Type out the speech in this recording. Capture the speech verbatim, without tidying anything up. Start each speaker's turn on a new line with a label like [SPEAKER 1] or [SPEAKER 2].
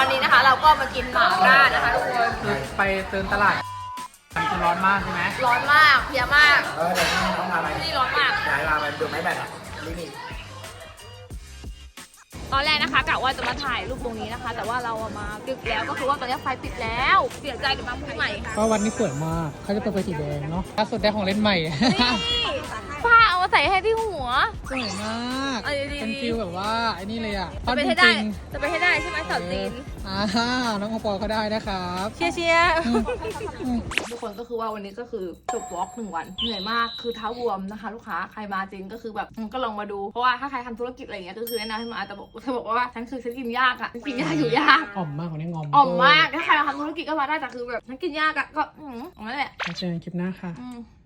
[SPEAKER 1] วันนี้นะคะเราก็มากินหม่าล่านะคะทุกคน
[SPEAKER 2] คือไปเดินตลาดมันจะร้อนมากใช่ไหม
[SPEAKER 1] ร้อนมากเพลียมาก
[SPEAKER 3] เออเดี๋ยวน้องพาไป
[SPEAKER 1] นี่ร้อนมาก
[SPEAKER 3] ย้ายมาไปดูไม้แบตอ่ะลิมิต
[SPEAKER 1] ตอนแรกนะคะกะว่าจะมาถ่ายรูปตรงนี้นะคะ แต่ว่าเราอะมาดึกแล้วก็คือว่าตอนนี้ไฟปิดแล้วเสียใจกับน้ำพุใหม่
[SPEAKER 2] ก็วันนี้สวยมากเขาจะเปิดไฟสีแดงเนาะล่าสุดได้ของเล่นใหม่
[SPEAKER 1] นี่ผ้าเอามาใส่ให้ที่หัว
[SPEAKER 2] สวยมาก
[SPEAKER 1] เอาดีๆ
[SPEAKER 2] เป็นฟิลแบบว่าไอ้นี่เลยอ่ะ
[SPEAKER 1] จะไปให้ได้จะไปให้ได้ใช่ไหมสาวจีน
[SPEAKER 2] อ่าน้องโอปอลเขาได้นะครับ
[SPEAKER 1] เชียร์เชียร์ทุกคนก็คือว่าวันนี้ก็คือจบวอล์กหนึ่งวันเหนื่อยมากคือเท้าบวมนะคะ ลูกค้าใครมาจริงก็คือแบบก็ลองมาดูเพราะว่าถ้าใครทำธุรกิจอะไรอย่างเงี้ยก็คือแนะนำให้มาแต่บอกเธอบอกว่าฉันคือฉันกินยากอ่ะฉันกินยากอยู่ยาก
[SPEAKER 2] อ่อมมากของนี่งอม
[SPEAKER 1] อ่อมมากถ้าใครมาทำธุรกิจก็มาได้แต่คือแบบฉันกินยากอ่ะก็อืมนั่นแหละ
[SPEAKER 2] เจอกันคลิปหน้าค่ะ
[SPEAKER 1] อืม